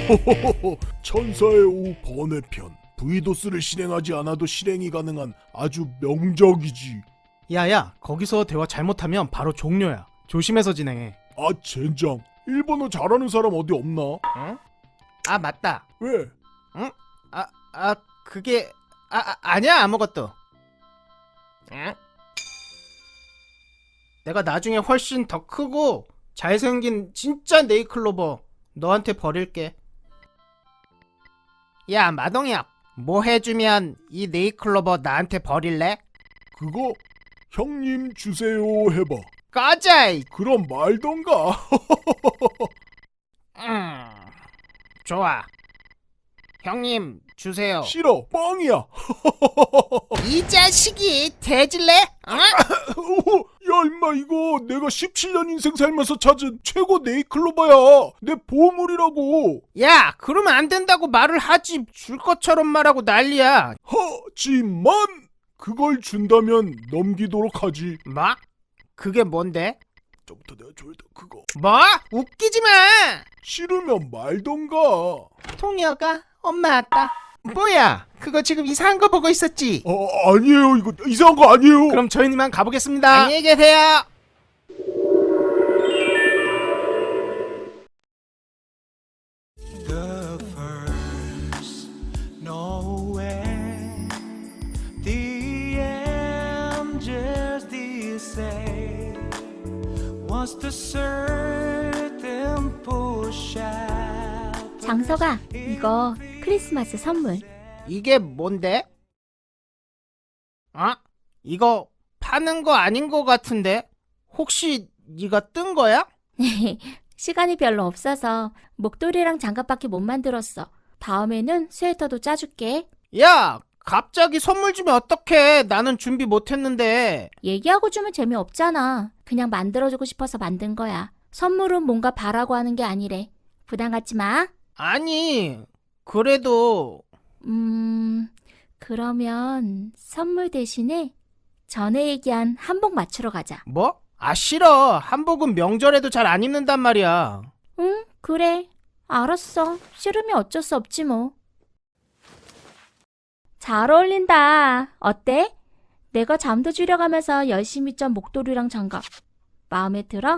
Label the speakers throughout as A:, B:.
A: 천사의 오후 번외편. 브이도스를 실행하지 않아도 실행이 가능한 아주 명작이지.
B: 야야, 거기서 대화 잘못하면 바로 종료야. 조심해서 진행해.
A: 아 젠장, 일본어 잘하는 사람 어디 없나?
B: 응? 아 맞다.
A: 왜?
B: 응? 그게 아니야, 아무것도. 응? 내가 나중에 훨씬 더 크고 잘생긴 진짜 네이클로버 너한테 버릴게. 야 마동혁, 뭐 해주면 이 네이클로버 나한테 버릴래?
A: 그거 형님 주세요 해봐.
B: 꺼져!
A: 그럼 말던가.
B: 좋아. 형님 주세요.
A: 싫어, 뻥이야.
B: 이 자식이 대질래? 어?
A: 야 임마, 이거 내가 17년 인생 살면서 찾은 최고 네이클로버야. 내 보물이라고.
B: 야, 그러면 안 된다고 말을 하지. 줄 것처럼 말하고 난리야.
A: 하지만 그걸 준다면 넘기도록 하지.
B: 뭐? 그게 뭔데?
A: 저부터 내가 졸다 그거.
B: 뭐? 웃기지 마.
A: 싫으면 말던가.
B: 통이어가 엄마 왔다. 뭐야? 그거 지금 이상한 거 보고 있었지?
A: 아니에요. 이거 이상한 거 아니에요.
B: 그럼 저희는 이만 가보겠습니다. 안녕히 계세요.
C: The first nowhere, the angels did say, was the certain push out.
D: 장서가, 이거 크리스마스 선물.
B: 이게 뭔데? 이거 파는 거 아닌 거 같은데? 혹시 네가 뜬 거야?
D: 시간이 별로 없어서 목도리랑 장갑밖에 못 만들었어. 다음에는 스웨터도 짜줄게.
B: 야, 갑자기 선물 주면 어떡해. 나는 준비 못 했는데.
D: 얘기하고 주면 재미없잖아. 그냥 만들어주고 싶어서 만든 거야. 선물은 뭔가 바라고 하는 게 아니래. 부담 갖지 마.
B: 아니, 그래도
D: 그러면 선물 대신에 전에 얘기한 한복 맞추러 가자.
B: 뭐? 싫어. 한복은 명절에도 잘 안 입는단 말이야.
D: 응, 그래. 알았어. 싫으면 어쩔 수 없지 뭐. 잘 어울린다. 어때? 내가 잠도 줄여가면서 열심히 짠 목도리랑 장갑. 마음에 들어?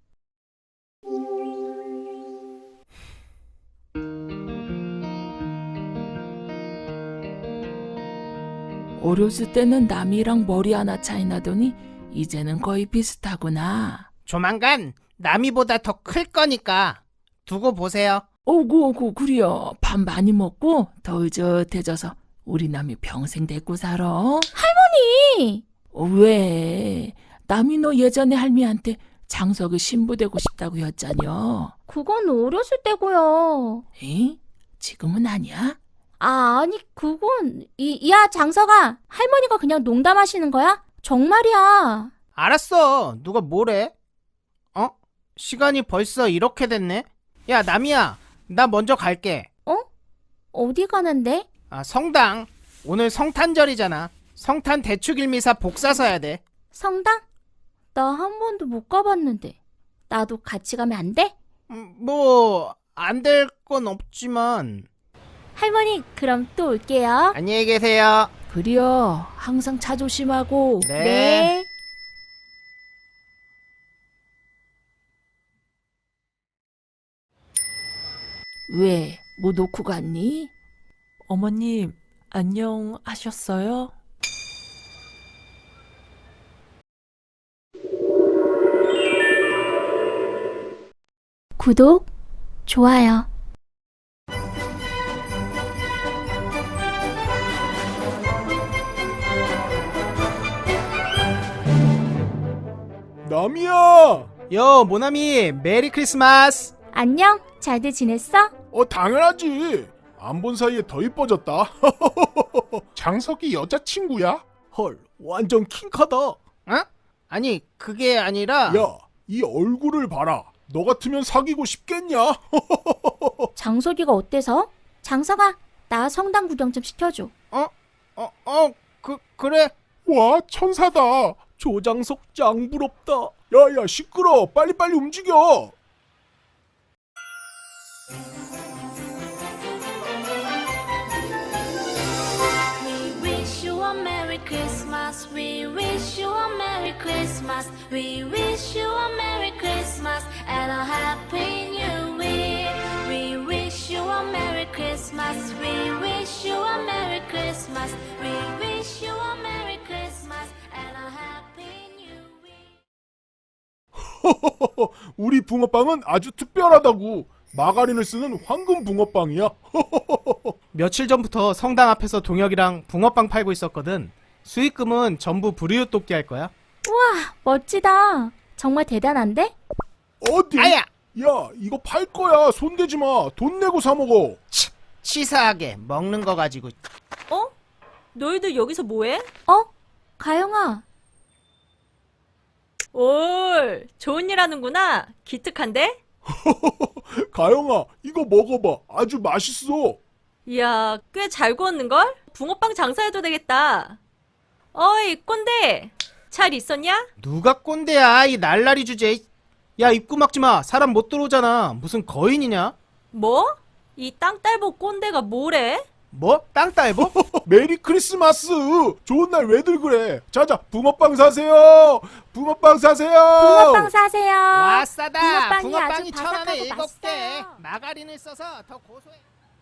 E: 어렸을 때는 남이랑 머리 하나 차이 나더니 이제는 거의 비슷하구나.
B: 조만간 남이보다 더 클 거니까 두고 보세요.
E: 오구 그려. 밥 많이 먹고 더 의젓해져서 우리 남이 평생 데리고 살아.
D: 할머니!
E: 왜? 남이 너 예전에 할미한테 장석이 신부 되고 싶다고 했잖여.
D: 그건 어렸을 때고요.
E: 에? 지금은 아니야?
D: 아니 그건 야 장서가, 할머니가 그냥 농담하시는 거야? 정말이야.
B: 알았어. 누가 뭐래? 시간이 벌써 이렇게 됐네? 야, 남이야. 나 먼저 갈게.
D: 어디 가는데?
B: 성당. 오늘 성탄절이잖아. 성탄 대축일미사 복사 서야 돼.
D: 성당? 나 한 번도 못 가봤는데. 나도 같이 가면 안 돼?
B: 뭐 안 될 건 없지만.
D: 할머니 그럼 또 올게요.
B: 안녕히 계세요.
E: 그려. 항상 차 조심하고.
B: 네.
E: 왜? 뭐 놓고 갔니?
F: 어머님, 안녕하셨어요?
D: 구독, 좋아요.
A: 남이야.
B: 요, 모나미, 메리 크리스마스.
D: 안녕, 잘들 지냈어?
A: 당연하지. 안 본 사이에 더 이뻐졌다. 장석이 여자친구야?
B: 헐, 완전 킹카다. 아니, 그게 아니라.
A: 야, 이 얼굴을 봐라. 너 같으면 사귀고 싶겠냐?
D: 장석이가 어때서? 장석아, 나 성당 구경 좀 시켜줘.
B: 그래.
A: 와, 천사다.
B: 조장석 짱 부럽다.
A: 야야, 시끄러. 빨리빨리 움직여.
G: Christmas. We wish you a Merry Christmas. We wish you a Merry Christmas and a Happy New Year. We wish you a Merry Christmas. We wish you a Merry Christmas. We wish you a Merry Christmas and a Happy New Year.
A: 우리 붕어빵은 아주 특별하다고. 마가린을 쓰는 황금 붕어빵이야.
B: 며칠 전부터 성당 앞에서 동혁이랑 붕어빵 팔고 있었거든. 수익금은 전부 불이웃 돕기 할 거야.
D: 우와, 멋지다. 정말 대단한데?
A: 어디?
B: 아야!
A: 야, 이거 팔 거야. 손대지 마. 돈 내고 사 먹어.
B: 치사하게 먹는 거 가지고.
F: 어? 너희들 여기서 뭐해?
D: 어? 가영아,
F: 올, 좋은 일 하는구나. 기특한데?
A: 가영아, 이거 먹어봐. 아주 맛있어.
F: 이야, 꽤 잘 구웠는걸? 붕어빵 장사해도 되겠다. 어이, 꼰대! 잘 있었냐?
B: 누가 꼰대야, 이 날라리 주제. 야, 입구 막지 마. 사람 못 들어오잖아. 무슨 거인이냐?
F: 뭐? 이 땅딸보 꼰대가 뭐래?
B: 뭐? 땅딸보?
A: 메리 크리스마스. 좋은 날 왜들 그래. 자자, 붕어빵 사세요. 붕어빵 사세요.
D: 붕어빵 사세요.
B: 와, 싸다.
D: 붕어빵이
B: 붕어빵이
D: 아주
B: 1,000원에
D: 바삭하고
B: 7개.
D: 맛있어요.
B: 마가린을 써서 더 고소해.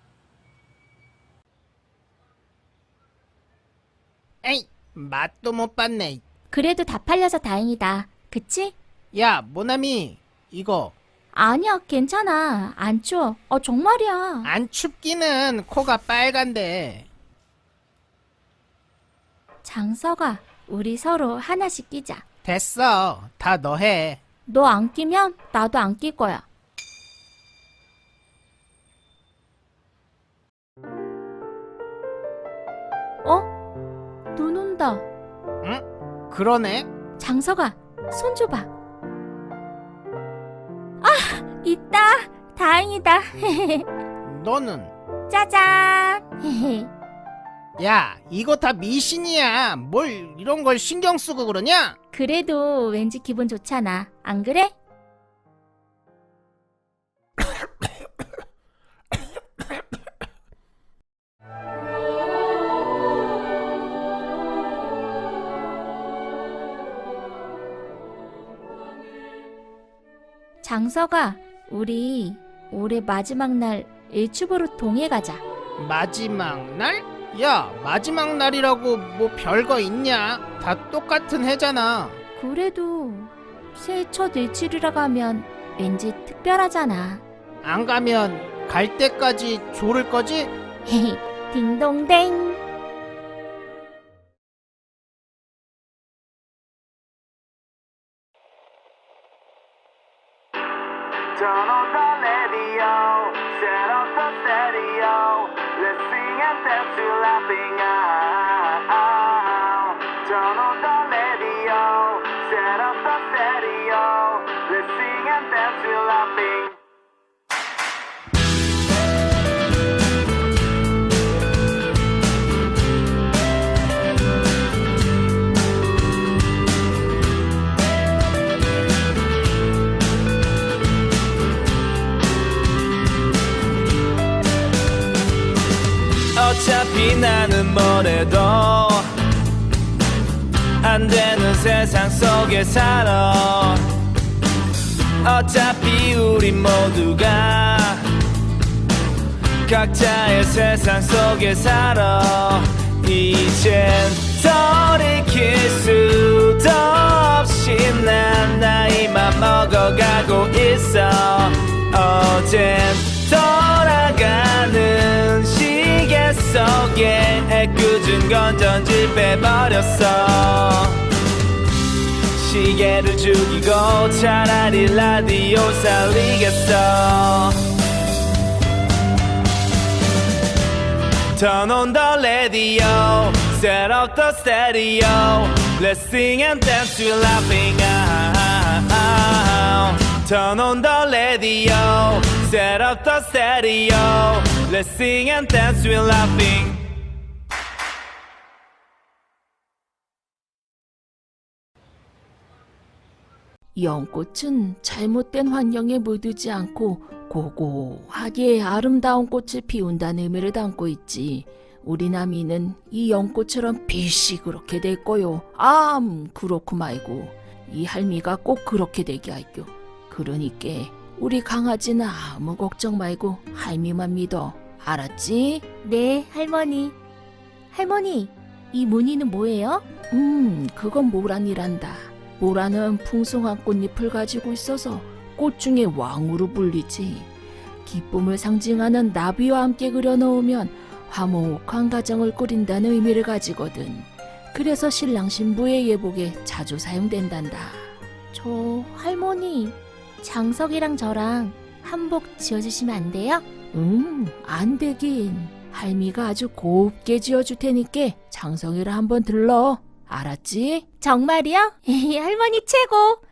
B: 에이, 맛도 못 봤네.
D: 그래도 다 팔려서 다행이다. 그치?
B: 야, 모나미, 이거
D: 아니야, 괜찮아. 안 추워. 정말이야.
B: 안 춥기는 코가 빨간데.
D: 장서가, 우리 서로 하나씩 끼자.
B: 됐어. 다 너 해.
D: 너 안 끼면 나도 안 낄 거야. 눈 온다.
B: 응? 그러네.
D: 장서가, 손 줘봐. 아, 있다. 다행이다.
B: 너는?
D: 짜잔.
B: 야, 이거 다 미신이야. 뭘 이런 걸 신경 쓰고 그러냐?
D: 그래도 왠지 기분 좋잖아. 안 그래? 장서가, 우리 올해 마지막 날 일출보러 동해 가자.
B: 마지막 날? 야, 마지막 날이라고 뭐 별거 있냐? 다 똑같은 해잖아.
D: 그래도 새해 첫 일출이라고 하면 왠지 특별하잖아.
B: 안 가면 갈 때까지 조를 거지?
D: 헤헤, 딩동댕.
C: Turn on the radio, set up the stereo. Let's sing and dance to laughing out. Turn on the radio, set up the stereo. Let's sing and dance to laughing. 어차피 나는 뭐래도 안 되는 세상 속에 살아. 어차피 우리 모두가 각자의 세상 속에 살아. 이젠 돌이킬 수도 없이 난 나이만 먹어가고 있어. 어젠 돌아가는 시계 속에 애꿎은 건전지 빼버렸어. 시계를 죽이고 차라리 라디오 살리겠어. Turn on the radio, set up the stereo. Let's sing and dance to laughing out. Turn on the radio, set up the stereo. Let's sing and dance to laughing.
E: 연꽃은 잘못된 환경에 물들지 않고 고고하게 아름다운 꽃을 피운다는 의미를 담고 있지. 우리 남이는 이 연꽃처럼 빛이 그렇게 될 거요. 그렇고 말고 이 할미가 꼭 그렇게 되게 할겨. 그러니까 우리 강아지는 아무 걱정 말고 할미만 믿어. 알았지?
D: 네, 할머니. 할머니, 이 무늬는 뭐예요?
E: 그건 모란이란다. 모란은 풍성한 꽃잎을 가지고 있어서 꽃 중에 왕으로 불리지. 기쁨을 상징하는 나비와 함께 그려놓으면 화목한 가정을 꾸린다는 의미를 가지거든. 그래서 신랑 신부의 예복에 자주 사용된단다.
D: 저 할머니, 장석이랑 저랑 한복 지어주시면 안 돼요?
E: 안 되긴. 할미가 아주 곱게 지어줄 테니까 장성이를 한번 들러. 알았지?
D: 정말이요? 할머니 최고!